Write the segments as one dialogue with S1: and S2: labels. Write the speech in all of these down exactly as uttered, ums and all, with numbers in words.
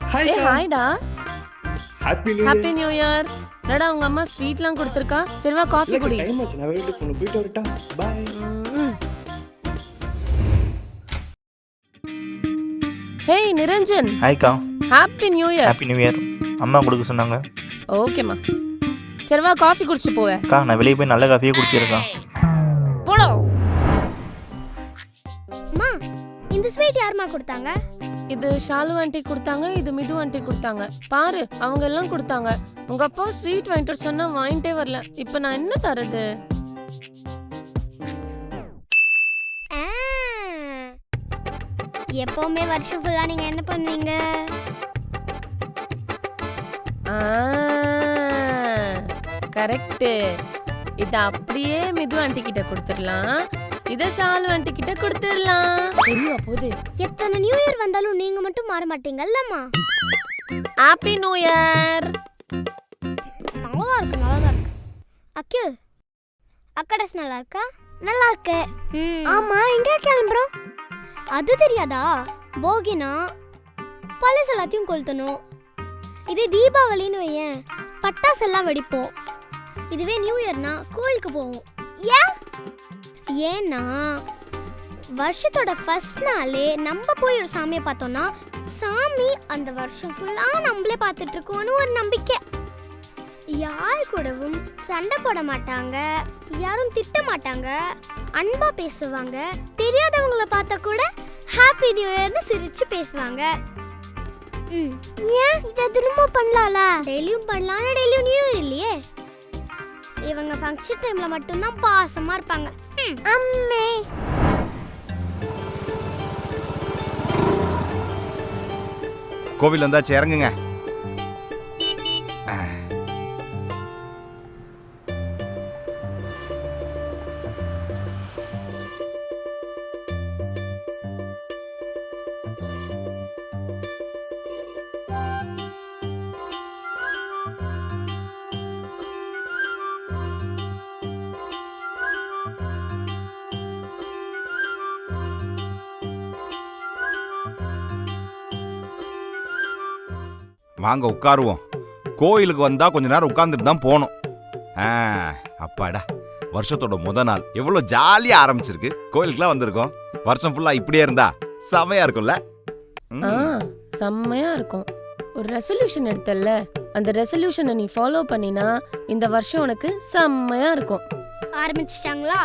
S1: Hi
S2: ஏய் ஹாய்டா.
S1: Happy new
S2: happy new year. என்னடா உங்க அம்மா ஸ்வீட்லாம் கொடுத்திருக்கா? சரி வா காஃபி குடி.
S1: டைம் ஆச்சு, நான் வெளியில போணும். போயிட்டு வரட்டா? பை.
S2: ஹேய் நிரஞ்சன்.
S3: ஹாய்க்கா.
S2: Happy new year.
S3: Happy new year. அம்மா கொடுக்க சொன்னாங்க.
S2: ஓகேம்மா. சரி வா காஃபி குடிச்சிட்டு போவேன்.
S3: அக்கா நான் வெளியே போய் நல்ல காஃபியே குடிச்சிருக்கேன்.
S2: போடா.
S4: அம்மா இந்த ஸ்வீட் யாருமா கொடுத்தாங்க?
S2: இது ஷாலு ஆண்டி கொடுத்தாங்க, இது மிது ஆண்டி கொடுத்தாங்க. பாரு அவங்க எல்லாம் கொடுத்தாங்க. உங்க அப்பா ஸ்வீட் வாங்கிட்டு வர சொன்னா வாங்கிட்டே வரல. இப்போ நான் என்ன தரது?
S4: ஆ, எப்பவுமே வருஷம் ஃபுல்லா நீங்க என்ன பண்ணுவீங்க?
S2: கரெக்ட். இத அப்படியே மிது ஆண்டி கிட்ட கொடுத்துடலாம், இத ஷாலு ஆண்டி கிட்ட கொடுத்துடலாம். தெரியவா போகுது?
S4: எத்தனை நியூ இயர் வந்தாலும் நீங்க மட்டும் மாற மாட்டீங்கல்லம்மா.
S2: Happy new year.
S4: நல்லா இருக்கு, நல்லா இருக்கு. அக்கு அக்கா ட்ரெஸ் நல்லா இருக்கா? நல்லா இருக்கு. ஆமா எங்க கிளம்புறோம்? அது தெரியாதா? போகினா பழசு எல்லாத்தையும் கொளுத்தணும். இதே தீபாவளின்னு வையேன், பட்டாசு எல்லாம் வெடிப்போம். இதுவே நியூ இயர்னா கோயிலுக்கு போவோம். ஏன்? ஏன்னா வருஷத்தோட ஃபர்ஸ்ட் நாளே நம்ம போய் ஒரு சாமியை பார்த்தோம்னா சாமி அந்த வருஷம் ஃபுல்லா நம்மளே பார்த்துட்டு இருக்கோன்னு ஒரு நம்பிக்கை. யார் கூடவும் சண்டை போட மாட்டாங்க, யாரும் திட்ட மாட்டாங்க, அன்பா பேசுவாங்க. தெரியாதவங்கள பார்த்தா கூட ஹாப்பி நியூ இயர்னு சிரிச்சு பேசுவாங்க. ம் ஏன் இதை திரும்ப பண்ணலாம்ல? டெய்லியும் பண்ணலாம், டெய்லியும் நியூ இயர் இல்லையே. இவங்க ஃபங்க்ஷன் டைம்ல மட்டும்தான் பாசமா இருப்பாங்க. அம்மே
S5: கோவில் வந்தாச்சு, இறங்குங்க. வாங்க உட்காருவோம். கோயிலுக்கு வந்தா கொஞ்ச நேரம் உட்கார்ந்துட்டு தான் போனோம். அப்பாடா, வருஷத்தோட முத நாள் எவ்வளவு ஜாலியா ஆரம்பிச்சிருக்கு. கோயிலுக்குலாம் வந்திருக்கோம். வருஷம் ஃபுல்லா இப்படியே இருந்தா செமையா இருக்கும்ல?
S2: செம்மையா இருக்கும். ஒரு ரெசல்யூஷன் எடுத்தல்ல, அந்த ரெசல்யூஷனை நீ ஃபாலோ பண்ணினா இந்த வருஷம் உனக்கு செம்மையா இருக்கும்.
S4: ஆரம்பிச்சிட்டாங்களா?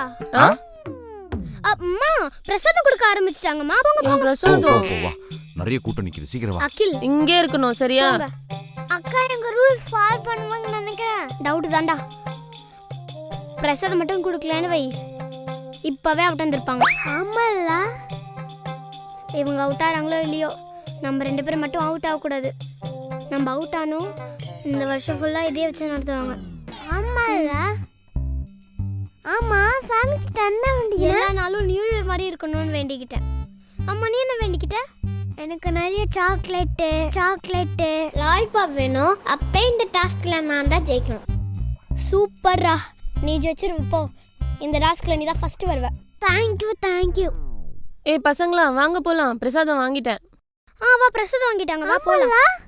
S4: அம்மா பிரசாதம் கொடுக்க ஆரம்பிச்சிட்டாங்கம்மா. போங்க போங்க.
S2: பிரசாதம்
S5: நிறைய கூட்டம் நிக்குது, சீக்கிரம் வா.
S4: அகில்
S2: இங்கே இருக்கணும் சரியா?
S4: அக்கா எங்க ரூல்ஸ் ஃபாலோ பண்ணுவாங்கன்னு நினைக்கிறேன். டவுட் தான்டா. பிரசாதம் மட்டும் கொடுக்கலன்னு வை, இப்பவே அவுட் வந்திருப்பாங்க. ஆமால்ல, இவங்க அவுட் ஆறாங்களோ இல்லையோ, நம்ம ரெண்டு பேரும் மட்டும் அவுட் ஆகக்கூடாது. நம்ம அவுட் ஆனோம் இந்த வருஷம் ஃபுல்லா இதே வச்சு நடத்துவாங்க. ஆமால்ல. ஆமா சாமிக்கு தண்ண வேண்டிய எல்லா நாளும் நியூ இயர் மாதிரி இருக்கணும்னு வேண்டிக்கிட்டேன். அம்மா நீ என்ன வேண்டிக்கிட்ட? எனக்கு நிறைய சாக்லேட்டு சாக்லேட்டு லாலிபாப் வேணும். அப்பே இந்த டாஸ்க்ல நான் தான் ஜெயிக்கணும். சூப்பர்ரா, நீ ஜெயிச்சிரு. இப்போ இந்த டாஸ்க்ல நீ தான் ஃபர்ஸ்ட் வருவ. Thank you thank you.
S2: ஏய் பசங்களா வாங்க போலாம், பிரசாதம் வாங்கிட்டேன்.
S4: ஆ வா, பிரசாதம் வாங்கிட்டாங்க, வா போலாம்.